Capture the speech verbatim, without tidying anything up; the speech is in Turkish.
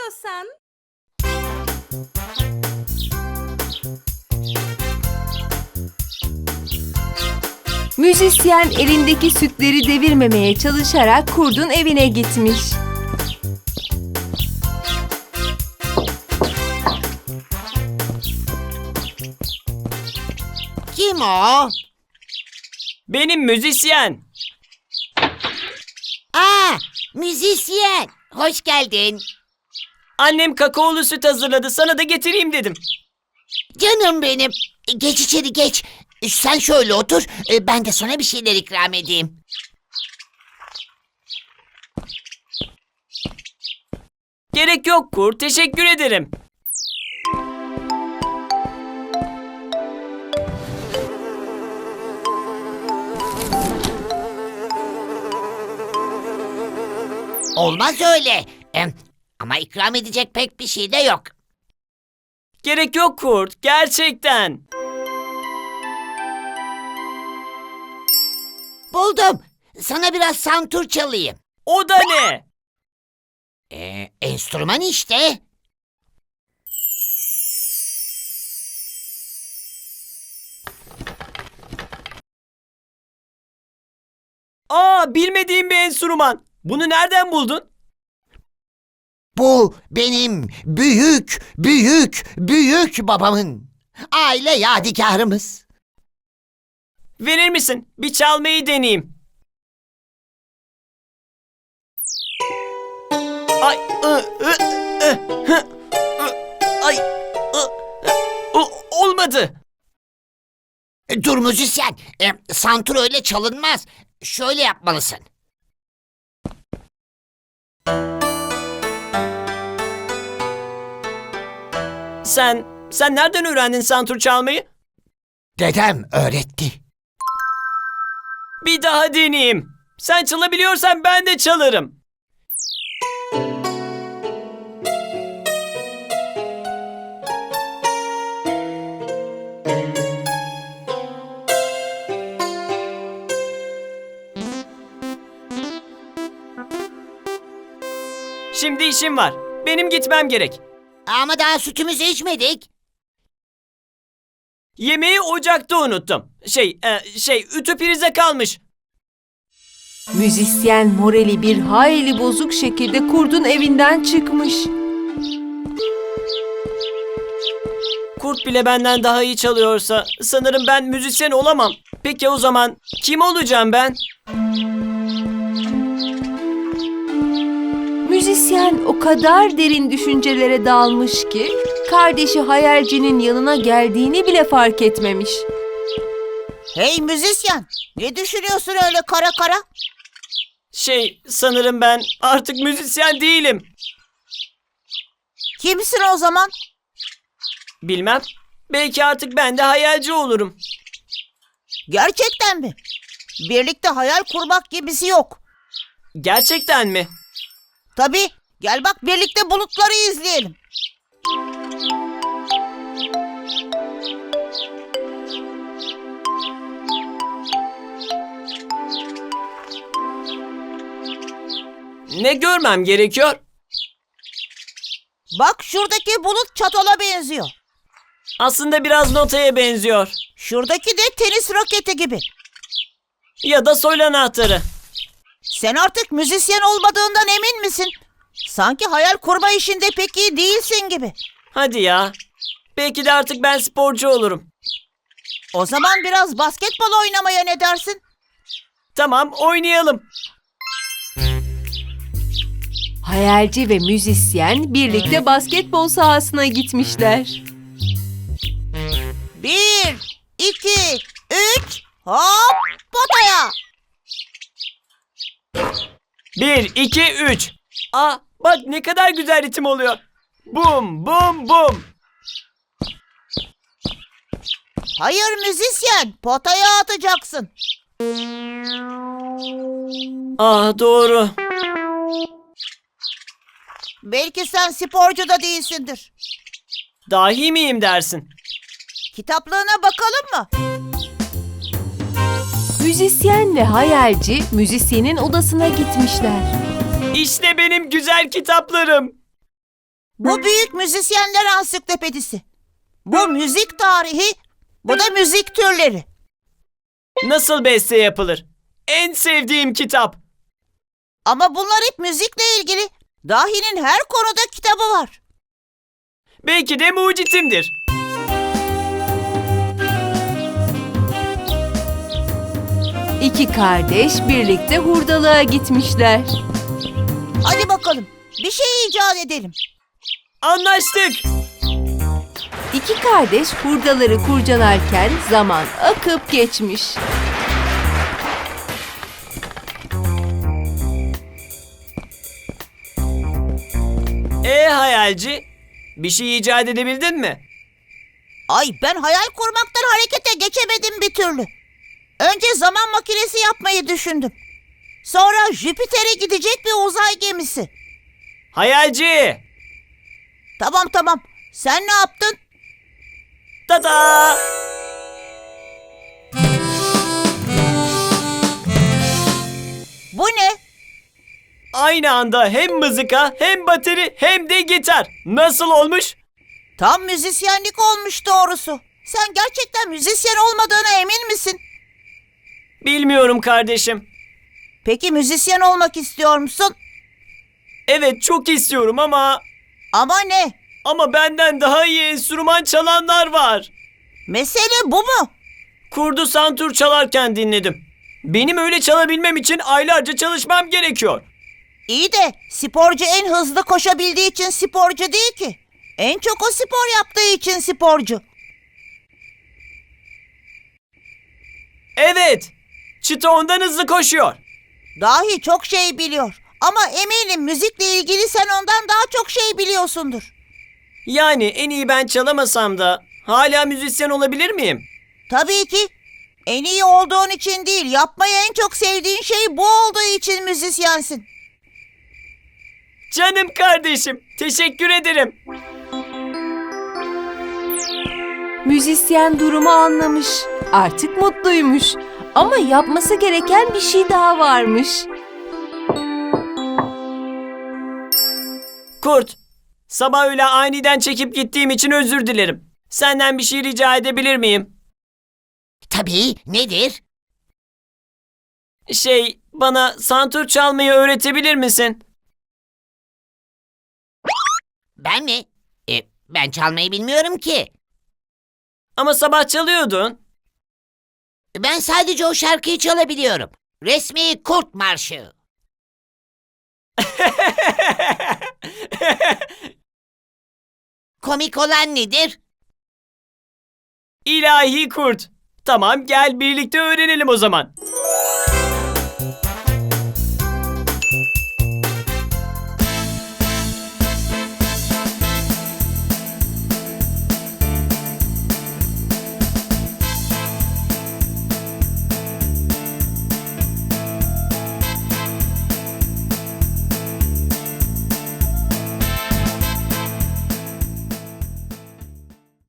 istiyorsan. Müzisyen elindeki sütleri devirmemeye çalışarak kurdun evine gitmiş. Kim o? Benim müzisyen. Aa, müzisyen. Hoş geldin. Annem kakaolu süt hazırladı. Sana da getireyim dedim. Canım benim. Geç içeri geç. Sen şöyle otur. Ben de sana bir şeyler ikram edeyim. Gerek yok Kurt. Teşekkür ederim. Olmaz öyle. Em, Ama ikram edecek pek bir şey de yok. Gerek yok Kurt. Gerçekten. Buldum. Sana biraz santur çalayım. O da ne? Ee, enstrüman işte. Aa, bilmediğim bir enstrüman. Bunu nereden buldun? Bu benim büyük, büyük, büyük babamın aile yadigarımız. Verir misin? Bir çalmayı deneyeyim. Ay, ı, ı, ı, hı, ı, ay, ı, ı, o- olmadı. E, Dur müzisyen, e, santur öyle çalınmaz. Şöyle yapmalısın. Sen, sen nereden öğrendin santur çalmayı? Dedem öğretti. Bir daha deneyeyim. Sen çalabiliyorsan ben de çalarım. Şimdi işim var. Benim gitmem gerek. Ama daha sütümüzü içmedik. Yemeği ocakta unuttum. Şey, e, şey, ütü prize kalmış. Müzisyen morali bir hayli bozuk şekilde kurdun evinden çıkmış. Kurt bile benden daha iyi çalıyorsa sanırım ben müzisyen olamam. Peki o zaman kim olacağım ben? Müzisyen o kadar derin düşüncelere dalmış ki kardeşi hayalcinin yanına geldiğini bile fark etmemiş. Hey müzisyen, ne düşünüyorsun öyle kara kara? Şey, sanırım ben artık müzisyen değilim. Kimsin o zaman? Bilmem. Belki artık ben de hayalci olurum. Gerçekten mi? Birlikte hayal kurmak gibisi yok. Gerçekten mi? Tabii, gel bak birlikte bulutları izleyelim. Ne görmem gerekiyor? Bak şuradaki bulut çatala benziyor. Aslında biraz notaya benziyor. Şuradaki de tenis raketi gibi. Ya da sol anahtarı. Sen artık müzisyen olmadığından emin misin? Sanki hayal kurma işinde pek iyi değilsin gibi. Hadi ya. Belki de artık ben sporcu olurum. O zaman biraz basketbol oynamaya ne dersin? Tamam, oynayalım. Hayalci ve müzisyen birlikte basketbol sahasına gitmişler. Bir, iki, üç, hop, potaya. Bir, iki, üç. Aa, bak ne kadar güzel ritim oluyor. Bum, bum, bum. Hayır müzisyen, potaya atacaksın. Ah, doğru. Belki sen sporcu da değilsindir. Dahi miyim dersin? Kitaplığına bakalım mı? Müzisyen ve hayalci müzisyenin odasına gitmişler. İşte benim güzel kitaplarım. Bu büyük müzisyenler ansiklopedisi. Bu müzik tarihi, bu da müzik türleri. Nasıl beste yapılır? En sevdiğim kitap. Ama bunlar hep müzikle ilgili. Dahi'nin her konuda kitabı var. Belki de mucitimdir. İki kardeş birlikte hurdalığa gitmişler. Hadi bakalım, bir şey icat edelim. Anlaştık. İki kardeş hurdaları kurcalarken zaman akıp geçmiş. E hayalci, bir şey icat edebildin mi? Ay, ben hayal kurmaktan harekete geçemedim bir türlü. Önce zaman makinesi yapmayı düşündüm. Sonra Jüpiter'e gidecek bir uzay gemisi. Hayalci! Tamam tamam, sen ne yaptın? Tada! Bu ne? Aynı anda hem mızıka hem bateri hem de gitar. Nasıl olmuş? Tam müzisyenlik olmuş doğrusu. Sen gerçekten müzisyen olmadığına emin misin? Bilmiyorum kardeşim. Peki müzisyen olmak istiyor musun? Evet çok istiyorum ama... Ama ne? Ama benden daha iyi enstrüman çalanlar var. Mesele bu mu? Kurdu santur çalarken dinledim. Benim öyle çalabilmem için aylarca çalışmam gerekiyor. İyi de sporcu en hızlı koşabildiği için sporcu değil ki. En çok o spor yaptığı için sporcu. Evet, Çita ondan hızlı koşuyor. Dahi çok şey biliyor. Ama eminim müzikle ilgili sen ondan daha çok şey biliyorsundur. Yani en iyi ben çalamasam da hala müzisyen olabilir miyim? Tabii ki. En iyi olduğun için değil, yapmayı en çok sevdiğin şey bu olduğu için müzisyensin. Canım kardeşim, teşekkür ederim. Müzisyen durumu anlamış. Artık mutluymuş. Ama yapması gereken bir şey daha varmış. Kurt, sabah öyle aniden çekip gittiğim için özür dilerim. Senden bir şey rica edebilir miyim? Tabii, nedir? Şey, bana santur çalmayı öğretebilir misin? Ben mi? E, ben çalmayı bilmiyorum ki. Ama sabah çalıyordun. Ben sadece o şarkıyı çalabiliyorum. Resmi Kurt Marşı. Komik olan nedir? İlahi kurt. Tamam gel birlikte öğrenelim o zaman.